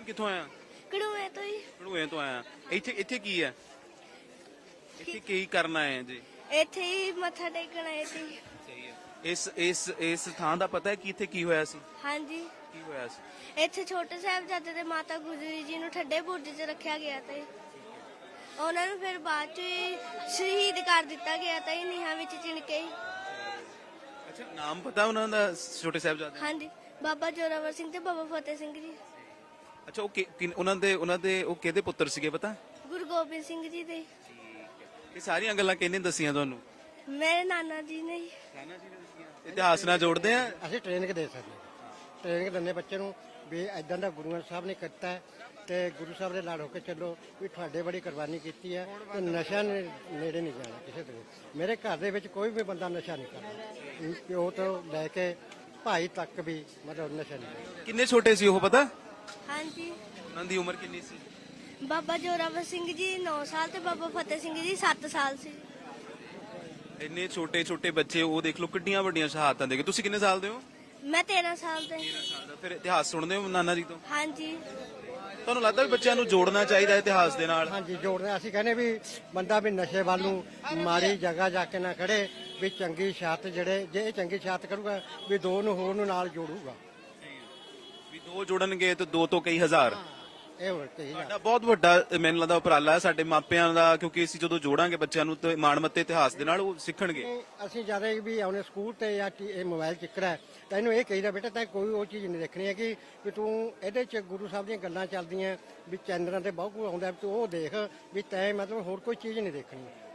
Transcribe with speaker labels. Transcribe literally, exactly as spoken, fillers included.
Speaker 1: ਕਿੱਥੋਂ ਆਇਆ?
Speaker 2: ਕੜੂਏ ਤੋਂ ਹੀ।
Speaker 1: ਕੜੂਏ ਤੋਂ ਆਇਆ। ਇੱਥੇ ਇੱਥੇ ਕੀ ਹੈ? ਇੱਥੇ ਕੀ ਕਰਨਾ ਹੈ ਜੀ?
Speaker 2: ਇੱਥੇ ਹੀ ਮੱਥਾ ਟੇਕਣ ਆਏ ਸੀ।
Speaker 1: ਸਹੀ ਹੈ। ਇਸ ਇਸ ਇਸ ਥਾਂ ਦਾ ਪਤਾ ਹੈ ਕਿ ਇੱਥੇ ਕੀ ਹੋਇਆ ਸੀ?
Speaker 2: ਹਾਂਜੀ,
Speaker 1: ਕੀ ਹੋਇਆ ਸੀ?
Speaker 2: ਇੱਥੇ ਛੋਟੇ ਸਾਹਿਬਜ਼ਾਦੇ ਤੇ ਮਾਤਾ ਗੁਜਰੀ ਜੀ ਨੂੰ ਠੱਡੇ ਬੁਰਜ 'ਚ ਰੱਖਿਆ ਗਿਆ ਤੇ ਉਹਨਾਂ ਨੂੰ ਫਿਰ ਬਾਅਦ 'ਚ ਹੀ ਸ਼ਹੀਦ ਕਰ ਦਿੱਤਾ ਗਿਆ ਤਾਂ ਨੀਹਾਂ ਵਿੱਚ ਚਿਣ ਕੇ ਹੀ।
Speaker 1: ਅੱਛਾ, ਨਾਮ ਪਤਾ ਉਹਨਾਂ ਦਾ ਛੋਟੇ ਸਾਹਿਬਜ਼ਾਦੇ?
Speaker 2: ਹਾਂਜੀ, ਬਾਬਾ ਜੋਰਾਵਰ ਸਿੰਘ ਤੇ ਬਾਬਾ ਫਤਿਹ ਸਿੰਘ ਜੀ।
Speaker 1: ਅੱਛਾ, ਉਹ ਕਿ- ਕਿਨ- ਉਹਨਾਂ ਦੇ ਉਹਨਾਂ ਦੇ ਉਹ ਕਿਹਦੇ ਪੁੱਤਰ ਸੀਗੇ ਪਤਾ?
Speaker 2: ਗੁਰੂ ਗੋਬਿੰਦ ਸਿੰਘ ਜੀ ਦੇ।
Speaker 1: ਇਹ ਸਾਰੀਆਂ ਗੱਲਾਂ ਕਿਹਨੇ ਦੱਸੀਆਂ ਤੁਹਾਨੂੰ?
Speaker 2: ਮੇਰੇ ਨਾਨਾ ਜੀ ਨੇ ਹੀ।
Speaker 1: ਨਾਨਾ ਜੀ ਨੇ ਦੱਸੀਆਂ। ਇਤਿਹਾਸ ਨਾਲ ਜੋੜਦੇ ਆ।
Speaker 3: ਅਸੀਂ ਟ੍ਰੇਨਿੰਗ ਦੇ ਸਕਦੇ ਹਾਂ। ਟ੍ਰੇਨਿੰਗ ਦਿੰਦੇ ਬੱਚੇ ਨੂੰ ਵੀ ਇਦਾਂ ਦਾ ਗੁਰੂਆਂ ਸਾਹਿਬ ਨੇ ਕੀਤਾ ਹੈ ਤੇ ਗੁਰੂ ਸਾਹਿਬ ਦੇ ਨਾਲ ਹੋ ਕੇ ਚੱਲੋ ਵੀ ਤੁਹਾਡੇ ਬੜੀ ਕੁਰਬਾਨੀ ਕੀਤੀ ਹੈ ਤੇ ਨਸ਼ਾ ਨੇ ਨੇੜੇ ਨਹੀਂ ਜਾਣਾ ਕਿਸੇ ਦੇ। ਮੇਰੇ ਘਰ ਦੇ ਵਿੱਚ ਕੋਈ ਵੀ ਬੰਦਾ ਨਸ਼ਾ ਨਹੀਂ ਕਰਦਾ, ਪਿਓ ਤੋਂ ਲੈ ਕੇ ਭਾਈ ਤੱਕ ਵੀ ਮਤਲਬ ਨਸ਼ਾ ਨਹੀਂ ਕਰਦਾ।
Speaker 1: ਕਿੰਨੇ ਛੋਟੇ ਸੀ ਉਹ ਪਤਾ?
Speaker 2: ਹਾਂਜੀ,
Speaker 1: ਉਹਨਾਂ ਦੀ ਉਮਰ ਕਿੰਨੀ ਸੀ?
Speaker 2: ਬਾਬਾ ਜੋਰਾਵਰ ਸਿੰਘ ਜੀ ਨੌ ਸਾਲ ਤੇ ਬਾਬਾ ਫਤਿਹ ਸਿੰਘ ਜੀ ਸੱਤ ਸਾਲ ਸੀ।
Speaker 1: ਇੰਨੇ ਛੋਟੇ ਛੋਟੇ ਬੱਚੇ, ਉਹ ਦੇਖ ਲਓ ਕਿੱਡੀਆਂ ਵੱਡੀਆਂ ਸ਼ਹਾਦਤਾਂ ਦੇ ਗਏ। ਤੁਸੀਂ ਕਿੰਨੇ ਸਾਲ ਦੇ ਹੋ?
Speaker 2: ਮੈਂ ਤੇਰਾਂ ਸਾਲ ਦੇ।
Speaker 1: ਫਿਰ ਇਤਿਹਾਸ ਸੁਣਦੇ ਹੋ ਨਾਨਾ ਜੀ ਤੋਂ?
Speaker 2: ਹਾਂਜੀ,
Speaker 1: ਤੁਹਾਨੂੰ ਲੱਗਦਾ ਵੀ ਬੱਚਿਆਂ ਨੂੰ ਜੋੜਨਾ ਚਾਹੀਦਾ ਇਤਿਹਾਸ ਦੇ ਨਾਲ?
Speaker 3: ਹਾਂਜੀ, ਜੋੜਦੇ ਅਸੀਂ ਕਹਿੰਦੇ ਵੀ ਬੰਦਾ ਵੀ ਨਸ਼ੇ ਵੱਲ ਨੂੰ ਮਾੜੀ ਜਗ੍ਹਾ ਜਾ ਕੇ ਨਾ ਖੜੇ, ਵੀ ਚੰਗੀ ਸ਼ਾਤ ਜਿਹੜੇ ਜੇ ਇਹ ਚੰਗੀ ਸ਼ਾਤ ਕਰੂਗਾ ਵੀ ਦੋ ਨੂੰ ਹੋਰ ਨੂੰ ਨਾਲ ਜੋੜੂਗਾ।
Speaker 1: ਵੀ ਦੋ ਜੁੜਨਗੇ ਤੇ ਦੋ ਤੋਂ ਕਈ ਹਜ਼ਾਰ।
Speaker 3: ਇਹ ਹੋਰ ਕਹੀ ਜਾ
Speaker 1: ਸਾਡਾ ਬਹੁਤ ਵੱਡਾ ਮੈਨੂੰ ਲੱਗਦਾ ਉਪਰਾਲਾ ਹੈ ਸਾਡੇ ਮਾਪਿਆਂ ਦਾ, ਕਿਉਂਕਿ ਅਸੀਂ ਜਦੋਂ ਜੋੜਾਂਗੇ ਬੱਚਿਆਂ ਨੂੰ ਤੇ ਮਾਣਮੱਤੇ ਇਤਿਹਾਸ ਦੇ ਨਾਲ, ਉਹ ਸਿੱਖਣਗੇ।
Speaker 3: ਅਸੀਂ ਜਿਆਦਾ ਵੀ ਆਉਣੇ ਸਕੂਲ ਤੇ ਜਾਂ ਟੀ- ਇਹ ਮੋਬਾਈਲ ਚੱਕਰਾ ਹੈ ਤਾਂ ਇਹਨੂੰ ਇਹ ਕਹੀਦਾ ਬੇਟਾ ਤਾਂ ਕੋਈ ਉਹ ਚੀਜ਼ ਨਹੀਂ ਦੇਖਣੀ ਹੈ ਕਿ ਵੀ ਤੂੰ ਇਹਦੇ ਚ ਗੁਰੂ ਸਾਹਿਬ ਦੀਆਂ ਗੱਲਾਂ ਚੱਲਦੀਆਂ ਵੀ ਚੈਨਲਾਂ ਤੇ ਬਹੁਤ ਕੁਝ ਆਉਂਦਾ, ਤੂੰ ਉਹ ਦੇਖ ਵੀ ਤੈਂ ਮਤਲਬ ਹੋਰ ਕੋਈ ਚੀਜ਼ ਨਹੀਂ ਦੇਖਣੀ।